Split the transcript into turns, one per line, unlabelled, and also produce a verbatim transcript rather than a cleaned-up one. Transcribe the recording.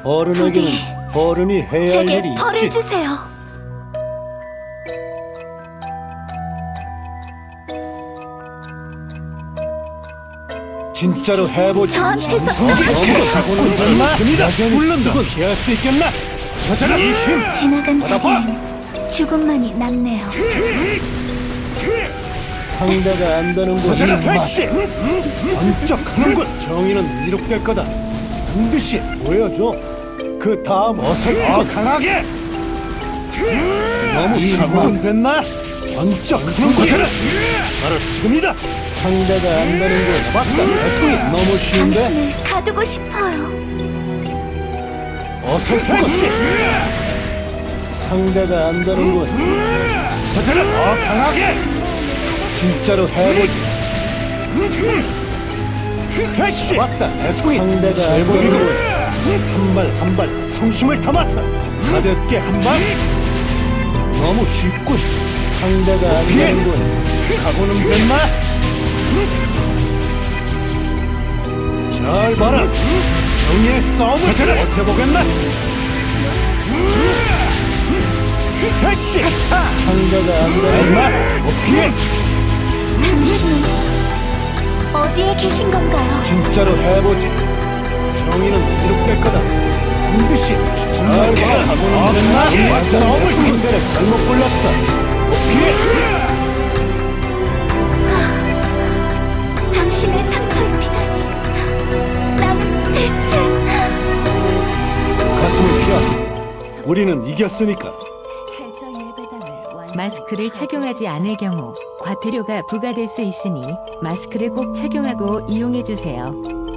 어른에게는 어른이 해야 할
제게
일이
벌을
있지.
주세요.
진짜로 해보지.
저한테서
사고는 얼마? 여전히
물론다.
쓰고 피할 수 있겠나? 서자라 이 힘.
지나간
받아봐.
자리는 죽음만이 남네요.
상대가 안 되는 곳.
서자라
이 맛.
패시.
번쩍 하는군. 정의는 이룩될 거다. 반드시 보여줘. 그 다음 어색해.
더 강하게.
너무
이만
됐나? 번쩍 하는
서자라.
곳.
바로 지금이다.
상대가 안 되는 곳. 맞다. 배송이 너무 쉬운데.
당신을 가두고 싶어요.
어색해. 상대가 안 되는 곳.
서자라 더 강하게.
진짜로 해보지.
패시.
맞다. 배송이 상대가 안 되는 곳. 한 발 한 발 성심을 담아서 가볍게 한 발. 너무 쉽군. 상대가 안
피해.
되는 곳. 각오는 됐나? 잘 봐라. 정의의 싸움을
서자라.
버텨보겠나?
패시.
상대가 안 되는 곳. 못 피해.
당신은 어디에 계신 건가요?
진짜로 해보지. 정의는 이룩될 거다. 반드시 잘 봐. 각오는 됐나?
정의의 싸움을.
상대를 잘못 골랐어. 못 피해.
당신을 상처 입히다니. 나는 대체
가슴을 펴. 우리는 이겼으니까.
마스크를 착용하지 않을 경우 과태료가 부과될 수 있으니 마스크를 꼭 착용하고 이용해 주세요.